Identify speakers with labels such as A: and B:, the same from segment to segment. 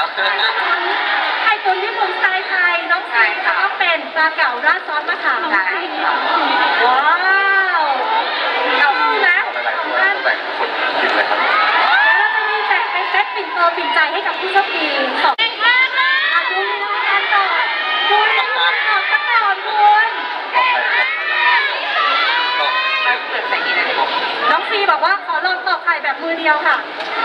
A: ไข่ตุ๋นญี่ปุ่นสไตล์ไทยน้องซีก็เป็นปลาเก๋าราดซอสมะขามว้าวเอาดูนะ
B: แต่งคนกินเลยครับ
A: แล้วเราจะมีแจกเป็นเซตปิ่นโตปิ่นใจให้กับผู้โชคดีสองดูในรายการก่อนดูในรายการก่อนคุณน้องซีบอกว่าขอลองตอกไข่แบบมือเดียวค่ะ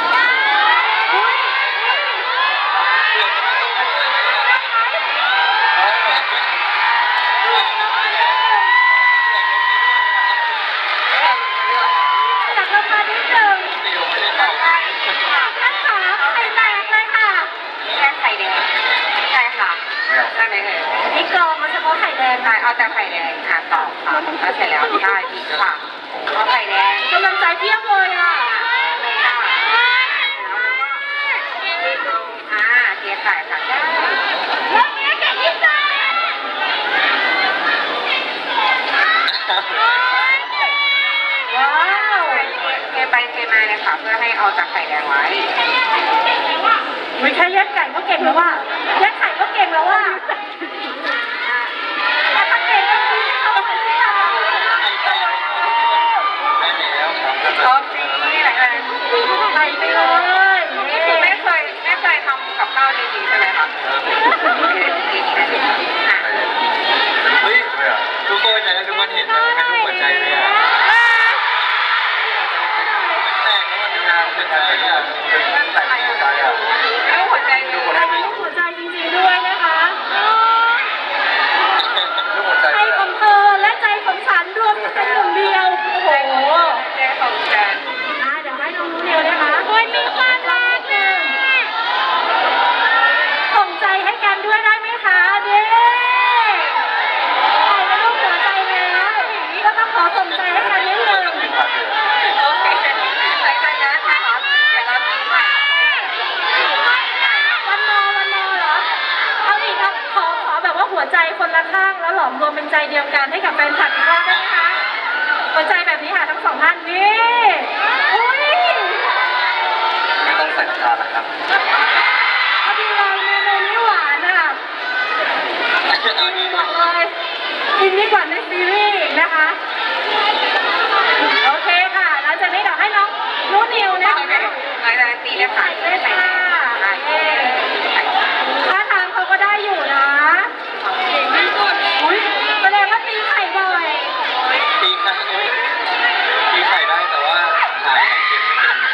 A: จากราคานิดนึงท่านขาไข่แตกเลยค่ะ
C: แค่ไข่แดงใช่ค่ะใช่ไหมเอ่ย
A: นี่กรองมาเฉพาะไข่แดง
C: ใช่เอาแต่ไข่แดงค่ะต่อค่ะแล้วเสร็จแล้วได้ดีค่ะเอาไข่แดง
A: กำลังใจเพียบเลยอ่ะ
C: เทไข่ค่ะได้
A: แล้วเนี้ยแกะที่สุดว้าว
C: เทไปเทมาเลยค่ะเพื่อให้เอาจากไข่แดงไว้
A: ไม่แค่แยกไก่ก็เก่งแล้วว่าแยกไข่ก็เก่งแล้วว่าถ้าเก่งก็คือเข้าไปที่เรา
B: ได้แล้วครับ
C: โอเคนี่แหละ
A: ไปเลย
C: นี่คือไม่เคยทำกับข้าวจริงๆใช่ไหมคะ
B: เฮ้ยทุกคนอยากให้ทุกคนเห็นมันเป็นรูปหัวใจเลยอ่ะแตกแล้วมันเป็นงานเป็นอะไรอ่ะเป็นแตกหัวใจอ่ะ
C: รูปหัวใจ
A: รูปหัวใจจริงๆด้วยนะคะใจของเธอและใจของฉันรวมเป็นหนึ่งเดียวโอ้โห
C: ใจของฉัน
A: เดี๋ยวให้น้องรู้เร็วนะคะโอ้ยมีความรักหนึ่งส่งใจให้กันด้วยได้ไหมคะเด้ถ่ายเป็นรูปหัวใจแล้วก็ต้องขอส่งใจให้กันนิดนึง
C: โอเคหลังจากนั้นนะคะเดี๋ยวเราตีใหม่
A: วันโนเหรอเอาอีกครับขอแบบว่าหัวใจคนละข้างแล้วหลอมรวมเป็นใจเดียวกันให้กับแฟนคลับอีกรอบได้ไหมคะหัวใจแบบนี้ค่ะทั้งสองท่านนี่อุ้ย
B: ไม่ต้องใส่น้ำตาลนะครับ
A: พอดีเลยเมนูนี้หวานอ่ะบอกเลยกินดีกว่าในซีรีส์นะคะโอเคค่ะหลังจากนี้เดี๋ยวให้น้องนุ่นนิวนะคะ
C: หลังจากนั้นตีเลยค่ะ
A: ใส่เลยค่ะท่าทางเขาก็ได้อยู่นะอุ้ยแสดงว่าตีไข่บ่อย
B: ตีไข่ได้แต่ว่าถ่ายไข่เค็มไม่เป็น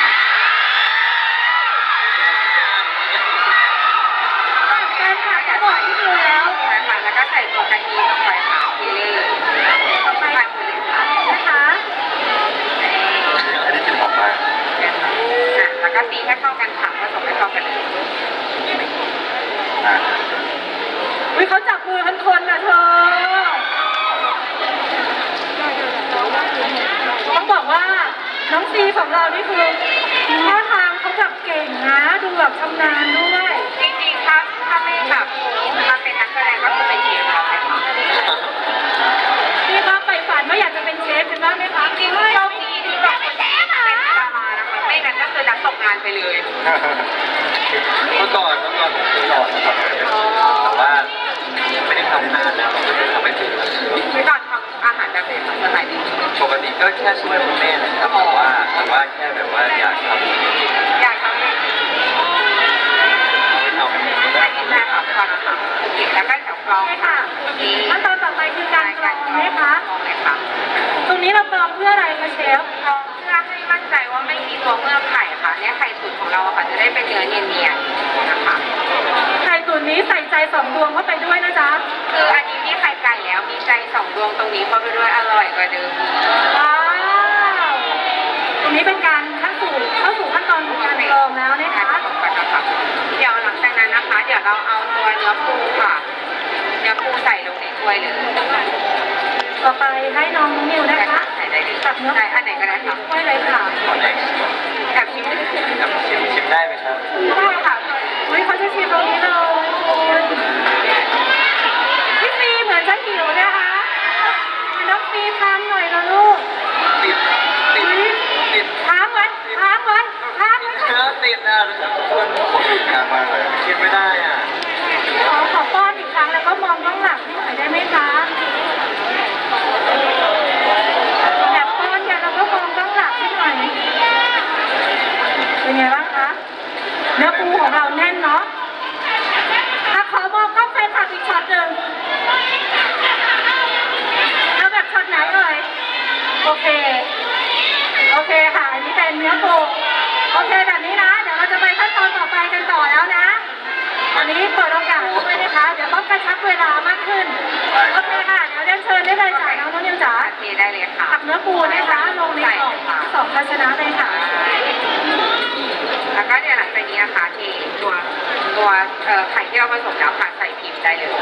A: แฟนคลับก็บอกที่ดูแล้ว
C: ใช่ค่ะแล้วก็ใส่ตัวกะทิลงไปค่ะทีเล่
A: ต่อไป
C: หมดเลยค่ะ
A: นะคะ
B: อันนี้กินหอมมาก
C: แล้วก็ตีให้เข้ากันค่ะผสมให้เข้ากัน
A: อุ้ยเขาจับมือกันคนนะเธอต้องบอกว่าน้องซีของเรานี่คือท่าทางเขาแบบเก่งนะดูแบบชำนาญด้วย
C: จริงๆถ้าไม่แบบมาเป็นนักแสดงก็คือเป็นเชฟเราเลยค่ะ
A: พี่คะไปฝันว่าอยากจะเป็นเชฟเป็นบ้างไหมคะ
C: จริงๆโชคดีที่แบบเป็นดารานะคะไม่งั้นก็คือนักตกงานไปเลย
B: เมื่อก่อนผมเคยสอนแต่ว่าไม่ได้ทำนานแล้วทำไม่ถึง
C: เมื่อก่อนทำอาหารแบบไหนคะสมัยนี้
B: ปกติก็แค่ช่วยคุณแม่นะครับแต่ว่าแค่แบบว่าอยากทำไม่ทำ
C: ได้ค่ะก่อนนะคะแล้วก็แถวกรอง
A: ค่ะขั้นตอนต่อไปคือการกรองไหมคะตรงนี้เรากรองเพื่ออะไรคะเชฟ
C: กรองเพื่อให้มั่นใจว่าไม่มีตัวเมือกไข่ค่ะเนี่ยไข่ตุ๋นของเราค่ะจะได้เป็นเนื้อเนียนๆนะคะ
A: ไข่ตุ๋นนี้ใส่ใจ2 ดวงเข้าไปด้วยนะจ๊ะ
C: คืออันนี้มีไข่ไก่แล้วมีใจ2 ดวงตรงนี้เข้าไปด้วยอร่อยกว่าเดิม
A: ว้าวตรงนี้เป็นการเข้าสู่ขั้นตอนของการกรองแล้วนะคะ
C: เดี๋ยวหลังจากนั้นนะคะเดี๋ยวเราเอาตัวเนื้อปูค่ะเนื้อปูใส่ลงในถ้วยเลย
A: ต่อไปให้น้องนิวนะคะ
C: ใส่ได้เลย
A: ตักเนื้อ
C: อันไหนก็ได้ค่ะ
A: ถ้วยเลยค่ะ
C: แอบชิม
B: ได้ไหมครับ
C: ได้ค่ะ
A: อุ้ยเขาจะชิมตรงนี้เลยพี่ซีเหมือนจะหิวนะคะน้องซีทานหน่อยนะลูก
B: ติด
A: ค้างไว้
B: ติดนะทุกคนงานมากเลย
A: โอเค โอเคค่ะ อันนี้เป็นเนื้อปูโอเคแบบนี้นะ เดี๋ยวเราจะไปขั้นตอนต่อไปกันต่อแล้วนะ อันนี้เปิดโอกาสด้วยนะคะ เดี๋ยวต้องกระชับเวลามากขึ้น โอเคค่ะ เดี๋ยวเรียนเชิญได้เลยจ้ะน้องนุ่นนิวจ๋า
C: โอเคได้เลยค่ะ
A: ตักเนื้อปูนะคะลงในกล่องสองภาชนะเลยค่ะ
C: แล้วก็เดี๋ยวหลังจากนี้นะคะเทตัวไข่ที่เราผสมแล้วค่ะใส่พิมพ์ได้เลย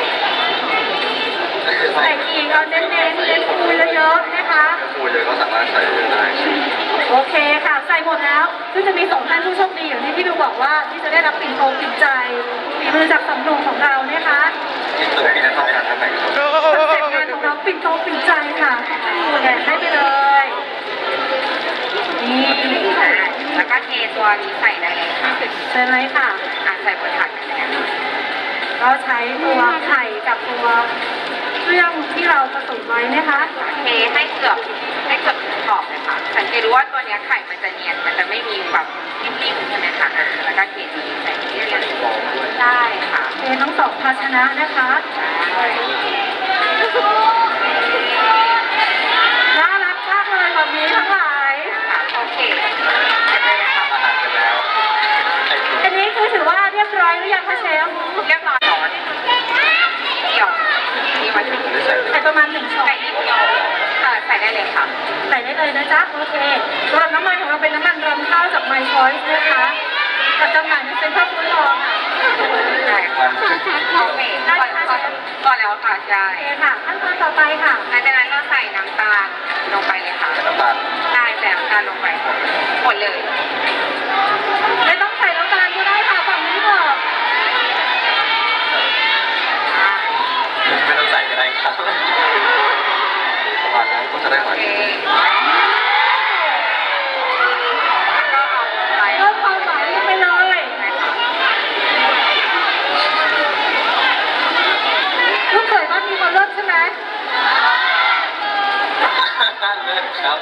A: ใส่อีกเอาเน้นปูเยอะๆนะคะ
B: ปูเยอะก็สามารถใส่ได้
A: โอเคค่ะใส่หมดแล้วซึ่งจะมี2ท่านผู้โชคดีอย่างที่พี่ดูบอกว่าที่จะได้รับปิ่นโตปิ่นใจฝีมือจากสำนงของเรานะคะ
B: ที่ตัวพี่นั้นทำงานทำไม
A: คอนเซ็ปต์งานของเราปิ่นโตปิ่นใจค่ะแบ่งให้ไปเลยนี่
C: แล้วก็เทตัวนี้ใส่ได้เลยค่ะ
A: ใช่ไหมค่ะ
C: ใส่บนถาดกันเลยนะคะ
A: ก็ใช้ตัวไข่กับตัวเครื่องที่เราผสมไว้นะคะ
C: เทให้เกือบขอบเลยค่ะสังเกตดูว่าตัวเนี้ยไข่มันจะเนียนมันจะไม่มีแบบนิ่มๆใช่ไหมคะแล้วก็เทนี้ใส่ที่เรียนได้ค่ะ
A: เททั้ง2ภาชนะนะคะน่ารักมากเลยแบบนี้ทั้งหลาย
C: ค่ะโอเคเสร็จเลยค่ะ
B: อาหารเสร็จแล้วไข่ปู
A: อันนี้คือถือว่าเรียบร้อยหรือยังคะเชฟ
C: เรียบร้อยร้อนเกี่ยวนี่มาถึง
B: ได้ใส่
A: ใส่ประมาณ1ช้อน
C: ใส่นิดเดียวใส่ได้เลยค่ะ
A: ใส่ได้เลยนะจ๊ะโอเคสำหรับน้ำมันของเราเป็นน้ำมันรำข้าวจาก My Choice นะคะจัดจำหน่ายในเซ็นทรัลฟู้ดฮอลล์ค่ะ
C: ได้ค่ะโอเคก่อนแล้วค่ะใช่
A: โอเคค่ะขั้นตอนต่อไปค่ะ
C: หลังจากนั้นเราใส่น้ำตาลลงไปเลยค่ะ
B: น้ำตาล
C: ได้ใส่น้ำตาลลงไปหมดเลย
A: ไม่ต้องใส่น้ำตาลก็ได้ค่ะฝั่งนี้บอก
B: ไม่ต้องใส่ก็ได้ครับประมาณนั้นก็จะได้ห
C: โอ
B: วาน
C: เคแล้วก็เอาไป
A: เพิ่มความหวานลงไปเลย ลูกเขยบ้านนี้เขาเลิศใช่ไหม
B: เลิศครับ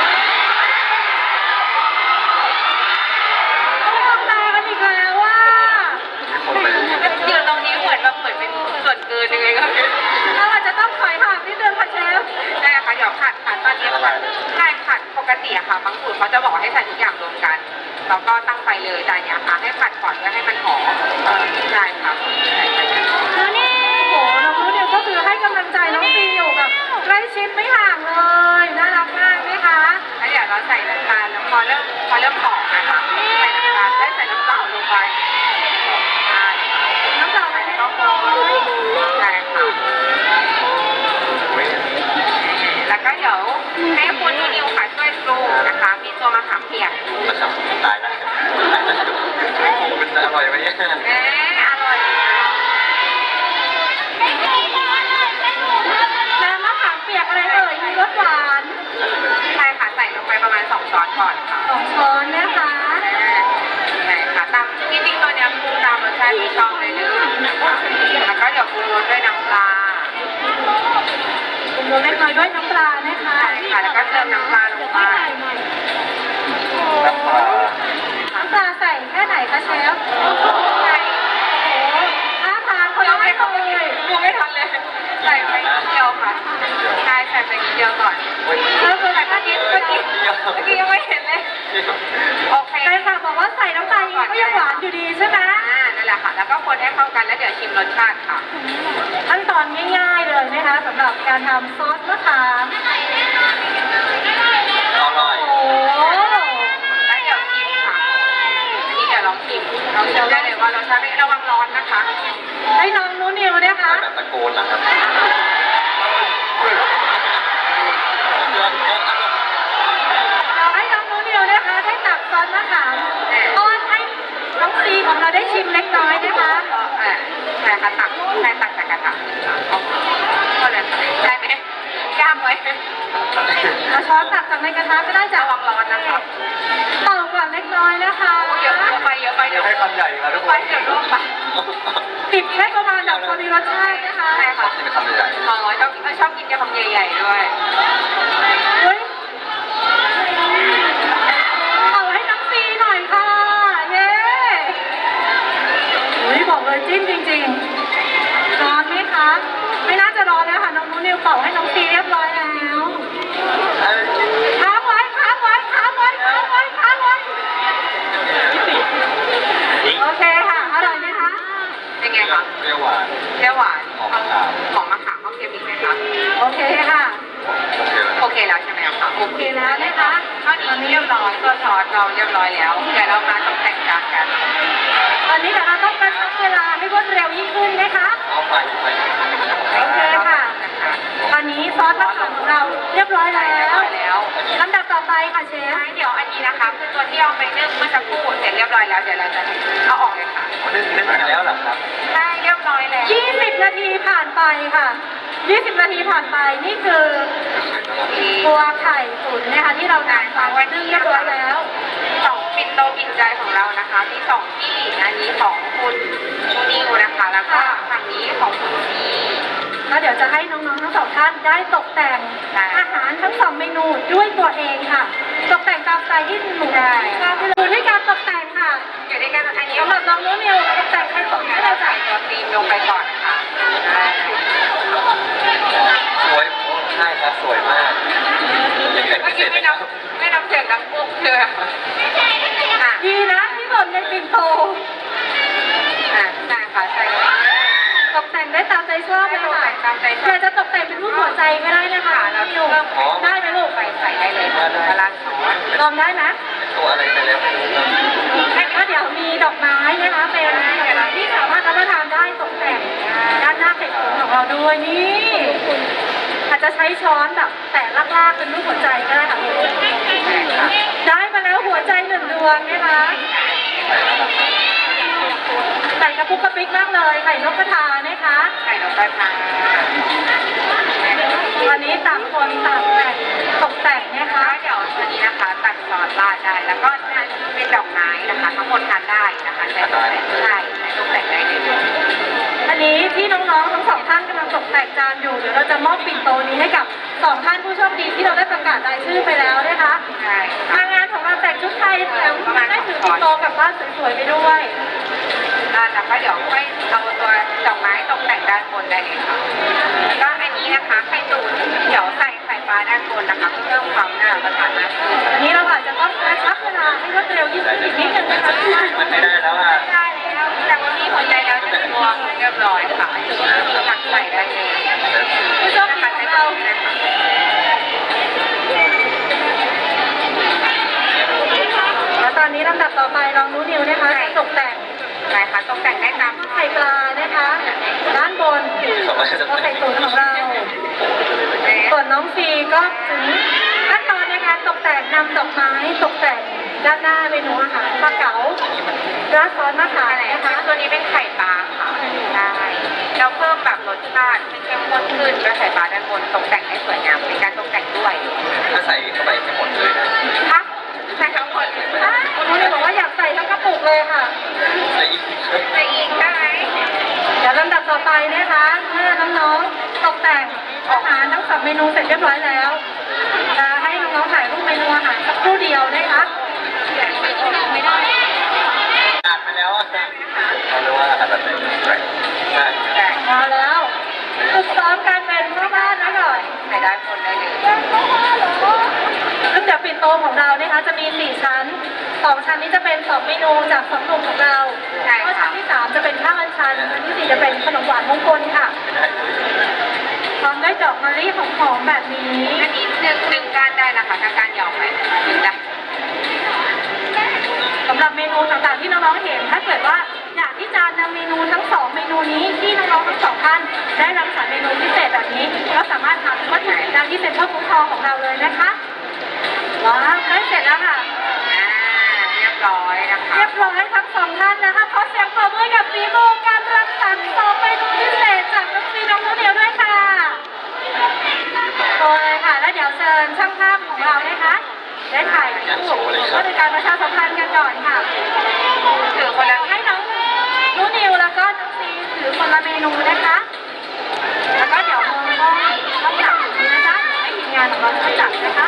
A: ต้องมองตากันอีกแล้วว่า
B: มีคนไป
C: อยู่ตรงนี้เหมือนเป็นส่วนเกินยังไงก็ไม่รู้
A: เราอาจจะต้องถอยห่างนิดนึงค่ะเชฟ
C: ใช่ค่ะเดี๋ยวผัดตอนนี้ผัดใช่ผัดปกติอะค่ะบางสูตรเขาจะบอกให้ใส่ทุกอย่างรวมกันแล้วก็ตั้งไฟเลยแต่อันเนี้ยค่ะให้ผัดก่อนเพื่อให้มันหอมใช่ค่ะใส่ไปเลย
A: แล้วนี่โอ้โหน้องรู้เดียวก็คือให้กำลังใจน้องฟีอยู่แบบใกล้ชิดไม่ห่างเลยน่ารักมากไหมคะ
C: แล้วเดี๋ยวเราใส่น้ำตาลแล้วพอเริ่มหอมนะคะใส่น้ำตาลได้ใส่น้ำเปล่าลงไปใช่
A: น้ำเปล่าไหม
C: ก็พอใช่ค่ะ แล้วก็เดี๋ยวให้คุณนิวค่ะช่วยปรุงนะคะ มีตัวมะขามเปียก
B: กระชับตายแล้วมันจะอร่อยไหมเนี่ย
C: อร่อย
A: น้ำมะขามเปียกอะไรเอ่ยมีรสหวาน
C: ใช่ค่ะใส่ลงไปประมาณ2 ช้อนก่อนค่ะ
A: 2 ช้อนนะคะ
C: ใช่ค่ะตามจริงๆตัวเนี้ยปรุงตามรสชาติที่ชอบเลยนะคะแล้วก็เดี๋ยวปรุงรสด้วยน้ำปลา
A: ปรุงรสเล็กน้อยด้วยน้ำปลานะคะ
C: ใช่ค่ะแล้วก็เติมน้ำปลาลงไป
B: น้ำปลา
A: น้ำปลาใส่แค่ไหนคะเชฟ
C: ใช่
A: โอ้โหท่าทางคนละไม่เคย
C: ปรุงไม่ทันเลยใส่ไปนิดเดียวค่ะใช่ใส่ไปนิดเดียวก่อน
A: เริ่มเลย
C: แต่เมื่อกี้ยังไม่เห็นเลยโอเค
A: ใช่ค่ะบอกว่าใส่น้ำตาลก็ยังหวานอยู่ดีใช่ไหม
C: นั่นแหละค่ะแล้วก็คนให้เข้ากันแล้วเดี๋ยวชิมรสชาติค่ะ
A: ขั้นตอนง่ายๆเลยนะคะสำหรับการทำซอสมะขาม
B: อร่อย
A: โอ้โห
C: แล้วเดี๋ยวชิมค่ะอันนี้เดี๋ยวลองชิมเราชิมได้เลยว่ารสชาติไม่ระวังร้อนนะคะ
A: ให้น้องนู้นิวนะคะ
B: แบบตะโกนนะครับ
A: เราให้น้องนู้นิวนะคะได้ตักซอสมะขามป้อนให้น้องซีของเราได้ชิมเล็กน้อยนะคะ
C: ใช่ค่ะตักจากกระทะก็เลยได้ไหมกล้ามไว้
A: เอาช้อนตักจากในกระทะก็ได้จ้ะ
C: ระวังร้อนนะคะ
A: เป่าก่อนเล็กน้อยนะคะ
C: เยอะไปเดี๋ยว
B: ให้คำใหญ่มาทุกค
C: ไป
B: น
C: เดี๋ยวร่วงไป
A: ปิดแค่ประมาณแบบพอดีรสชาตินะคะ
C: ใช่ค่ะ
B: กินคำใหญ่
C: ชอบกินยำใหญ่ๆด้วย
A: เฮ้ยเอาให้น้องซีหน่อยค่ะ เย้อุ้ยบอกเลยจิ้มจริงๆร้อนไหมคะ ไม่น่าจะร้อนแล้วค่ะน้องนิวเป่าให้น้องซีเรียบร้อยแล้ว
B: เอ้
A: โอเคแล้วนะคะ
C: ตอนนี้เรียบร้อยตัวซอสเราเรียบร้อยแล้วเดี๋ยวเรามาตกแต่งจานกัน
A: ตอนนี้เดี๋ยวเราต้องกระชับเวลาให้รวดเร็วยิ่งขึ้นนะคะ
B: เอาไป
A: โอเคค่ะตอนนี้ซอสมะขามของเราเรียบร้อยแล้วลำดับต่อไปค่ะเชฟ
C: เดี๋ยวอันนี้นะคะคือตัวที่เอาไปนึ่งเมื่อสักครู่เสร็จเรียบร้อยแล้วเดี๋ยวเราจะเอาออกเลยค่ะ
B: นึ่งมาแล้วเหรอครับ
C: ใช่เรียบร้อยแล้ว
A: 20 นาทีผ่านไปค่ะ 20 นาทีผ่านไปนี่คือตัวไข่ตุ๋นนะคะที่เรานำมาวันนี้เรียบร้อยแล้ว
C: สองปิ่นโตปิ่นใจของเรานะคะมีสองที่อันนี้ของคุณนิวนะคะแล้วก็ฝั่งนี้ของคุณซี
A: แล้วเดี๋ยวจะให้น้องๆทั้งสองท่านได้ตกแต่งอาหารทั้งสองเมนูด้วยตัวเองค่ะ ตกแต่งตามสไตล์ที่หนูได้ดูที่การตกแต่งค่ะ
C: อยู่ด้วยกันอันนี้
A: สำหรับน้องนุ่นนิวตกแต่งไข่ตุ๋นให้เรา
C: ใส่
A: ใส่
C: ตัวครีมลงไปก่อนค่ะ
B: สวยใช่ครับสวยมากยังแต่ง
C: เมื่
B: ไม่
C: อ
B: เสร็
C: กี้
B: จ
C: ไม่นับเสียงดังปุ๊บเลยอ่ะ
A: ดีนะที่หล่นในปิ่นโต
C: ใช่ค่ะใช่
A: ตกแต่งได้ตามใจชอบเลยค่ะ
C: ตามใจช
A: อ
C: อย
A: าก
C: บ
A: จะตกแต่งเป็นรูปหัวใจก็ได้นะคะ
C: เรา
A: นิว
C: เพิ่ม
A: ได้ไหมลูก
C: ไปใส่ได้เลยค่ะกระลาซอส
A: ลองได้ไหม
B: ตัวอะไรไปแล้วไม่รู้ครับ
A: ก็เดี๋ยวมีดอกไม้นะคะเป็นดอกไม้ที่สามารถรับประทานได้ตกแต่งด้านหน้าไข่ตุ๋นของเราด้วยนี่อาจจะใช้ช้อนแบบแตะลากๆเป็นรูปหัวใจก็ได้ค่ะได้มาแล้วหัวใจหนึ่งดวงนะคะใส่กระปุกกระปิกมากเลยไข่นกกระทานะคะ
C: ไข่นกกระทา
A: วันนี้ต่างคนต่างแต่งตกแต่งนะคะ
C: เดี๋ยวตัวนี้นะคะตัดซอสราดได้แล้วก็เป็นดอกไม้นะคะทั้งหมดทานได้นะคะใช้ตกแต่งใช่ใช้ตกแต่งได้เลย
A: อันนี้ที่น้องๆทั้งสองท่านกำลังตกแต่งจานอยู่เดี๋ยวเราจะมอบปิ่นโตนี้ให้กับสองท่านผู้โชคดีที่เราได้ประกาศรายชื่อไปแล้วนะคะ
C: ใช่
A: ทางงานของเราแต่งชุดไทยแถมได้ถือปิ่นโตกลับบ้านสวยๆไปด้วย
C: แล้วก็เดี๋ยวค่อยเอาตัวดอกไม้ตกแต่งด้านบนได้เลยค่ะแล้วก็อันนี้นะคะไข่ตุ๋นเดี๋ยวใส่ไข่ปลาด้านบนนะคะเพื่อเพิ่มความน่ารับประทานมากขึ้น
A: อันนี้เราอาจจะต้องกระชับเวลาให้รวดเร็วยิ่งขึ้นอีกนิดนึงนะคะ
B: มันไม่ได้แล้วอ่ะ
C: ได้แล้วแต่ว่ามีหัวใจแล้วจะรวมเรียบร้อยค่ะตักใส่ได้เลย
A: ผู้โชคดีของเราแล้วตอนนี้ลำดับต่อไปลองรู้นิวนะคะตกแต่ง
C: ใช่ค่ะตกแต่งได้ตาม
A: ไข่ปลานะคะด้านบนก็ไข่ตุ๋นของเรา ส่วนน้องฟีก็ถึงขั้นตอนในการตกแต่งนำดอกไม้ตกแต่งด้านหน้าเมนูอาหารปลาเก๋าราดซอสมะขาม
C: อะไร
A: นะ
C: นะคะ
A: คะ
C: ตัวนี้เป็นไข่ปลาค่ะได้เราเพิ่มแบบรสชาติให้เข้มข้นขึ้นด้วยไข่ปลาด้านบนตกแต่งให้สวยงามเป็นการตกแต่งด้วย
B: ถ้าใส่เข้าไปให้หมดเลยนะ
C: ค่ะใส่ทั้งหมด
A: คุณนุ้ยบอกว่าอยากใส่ทั้งกระปุกเลยค่ะ
B: แล้วอีก
C: ใส่อีกได้ไหม
A: เดี๋ยวลำดับต่อไปนะคะเมื่อน้องๆตกแต่งอาหารทั้งสามเมนูเสร็จเรียบร้อยแล้วจะให้น้องๆถ่ายรูปเมนูอาหารสักครู่เดียวนะคะ
C: ไม่ได้
B: อ่านไปแล้วอ่ะเขาเรียกว่าอะไรแบบไหนใช่
C: แต่
A: มาแล้วฝึกซ้อมการเป็นพ่อบ้านนะก่อน
C: ใส่ด้านบนได้เลย
A: ซึ่งเดี๋ยวปิ่นโตของเรานะคะจะมี 4 ชั้น 2 ชั้นนี้จะเป็น 2 เมนูจาก2หนุ่มของเราแล้วก็ชั้นที่ 3 จะเป็นข้าวอัญชันชั้นที่ 4 จะเป็นขนมหวานมงคลค่ะ
B: ไม่ได้เลย
A: พร้อมด้วยดอกมะลิหอมๆแบบนี้
C: อันนี้หนึ่งก้านได้นะคะถ้าก้านยาวไปหนึ่งได้
A: สำหรับเมนูต่างๆที่น้องๆเห็นถ้าเกิดว่าอยากที่จะนำเมนูทั้ง 2 เมนูนี้ที่น้องๆทั้ง 2 ท่านได้รังสรรค์เมนูพิเศษแบบนี้ก็สามารถทำวัตถุดิบได้ที่เซ็นทรัลฟู้ดฮอลล์ของเราเลยนะคะว้าวใกล้เสร็จแล้วค่ะ
C: เรียบร้อยนะคะ
A: เรียบร้อยทั้งสองท่านนะคะขอเสียงปรบมือกับฝีมือการรังสรรค์สองเมนูพิเศษจากน้องฟีน้องนุ่นเหนียวด้วยค่ะโอเลยค่ะ แล้วเดี๋ยวเชิญช่างภาพของเรานะคะได้ถ่ายรูปเพื่อเป็นการประชาสัมพันธ์กันก่อนค่ะ
C: ถือคนละ
A: ให้น้องนุ่นเหนียวแล้วก็น้องฟีถือคนละเมนูนะคะ แล้วก็เดี๋ยวมองกล้องต้องจับอยู่นะจ๊ะให้ทีมงานของเราช่วยจับนะคะ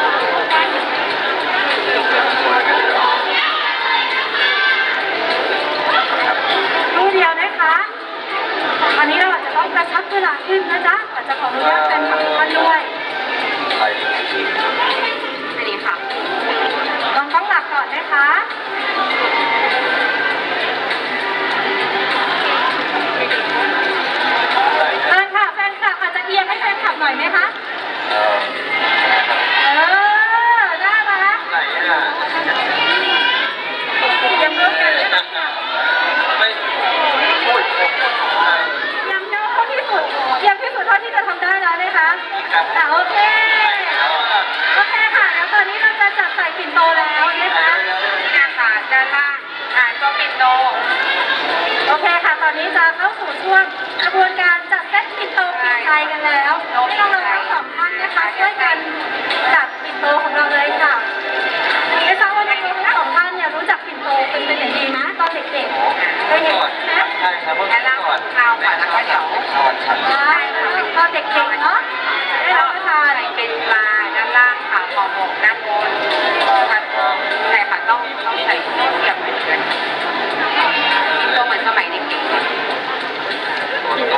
A: รูปเดียวนะคะอันนี้เราอาจจะต้องกระชับเวลาขึ้นนะจ๊ะอาจจะขออนุญาตเป็นของท่านด้วย
B: ไป
C: อันนี้ค่ะ
A: ลองกล้องหลักก่อนนะคะเชิญค่ะแฟนคลับอาจจะเอียงให้แฟนคลับหน่อยไหมคะ
B: เออ
A: เออ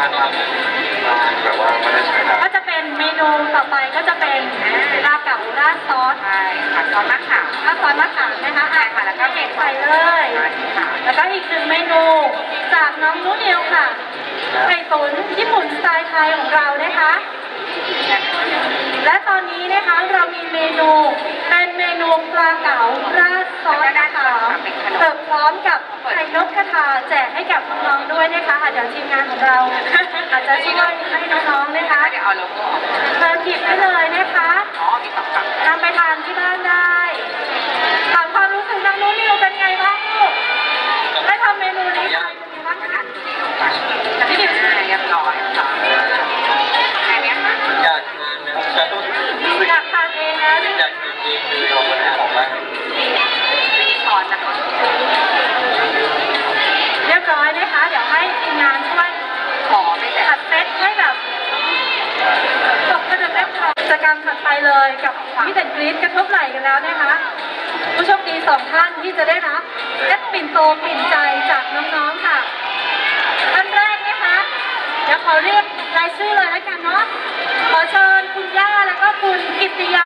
B: ทำแบบว่าไม่ได้ใช้น้ำ
A: ก็จะเป็นเมนูต่อไปก็จะเป็นปลาเก๋าราดซอส
C: ใช่ค่ะซอสมะขาม
A: ราดซอสมะขามนะคะ
C: ใช่ค่ะแล้วก็เมนู
A: ใส่เลย
C: ค่ะ
A: แล้วก็อีกหนึ่งเมนูจากน้องนุ่นเดียวค่ะไก่ตุ๋นญี่ปุ่นสไตล์ไทยของเรานะคะ และตอนนี้นะคะเรามีเมนูเป็นเมนูปลาเก๋าราดซอสมะขามเสิร์ฟพร้อมกับไข่นกกระทาแจกให้กับน้องๆด้วยนะคะเดี๋ยวทีมงานของเรา อาจจะช่วยให้น้องๆนะคะ
C: เดี๋ยวเอาโลโก้ออก
A: เติมหยิบได้เลยนะคะ
C: อ๋อมีสองฝั่ง
A: นำไปทานที่บ้านได้ถามความรู้สึกน้องนุ่นนิวเป็นไงบ้างลูกได้ทำเมนูนี้ไปเป็นไงบ้าง
C: ก็
A: คะ
C: ดันตัวนี้ลงไปพี่ดิบเรียบร้อยค่ะแค่นี้ค่ะ
B: อยากทานนะครับรู้สึก
A: อยากทานเองนะ
B: อยากทานเองเลยออกมาได้ออกมา
C: ไม่มีช้อนนะคะ
A: เรียบร้อยนะคะเดี๋ยวให้ทีมงานช่วย
C: ขอไม่แต่
A: จัดเซตให้แบบตกกระเด็นกิจกรรมถัดไปเลยกับมิสแอนด์กรี๊ดกระทบไหล่กันแล้วนะคะผู้โชคดี2 ท่านที่จะได้รับเซตปิ่นโตปิ่นใจจากน้องๆค่ะท่านแรกนะคะเดี๋ยวขอเรียกรายชื่อเลยแล้วกันเนาะขอเชิญคุณย่าแล้วก็คุณกิตติยา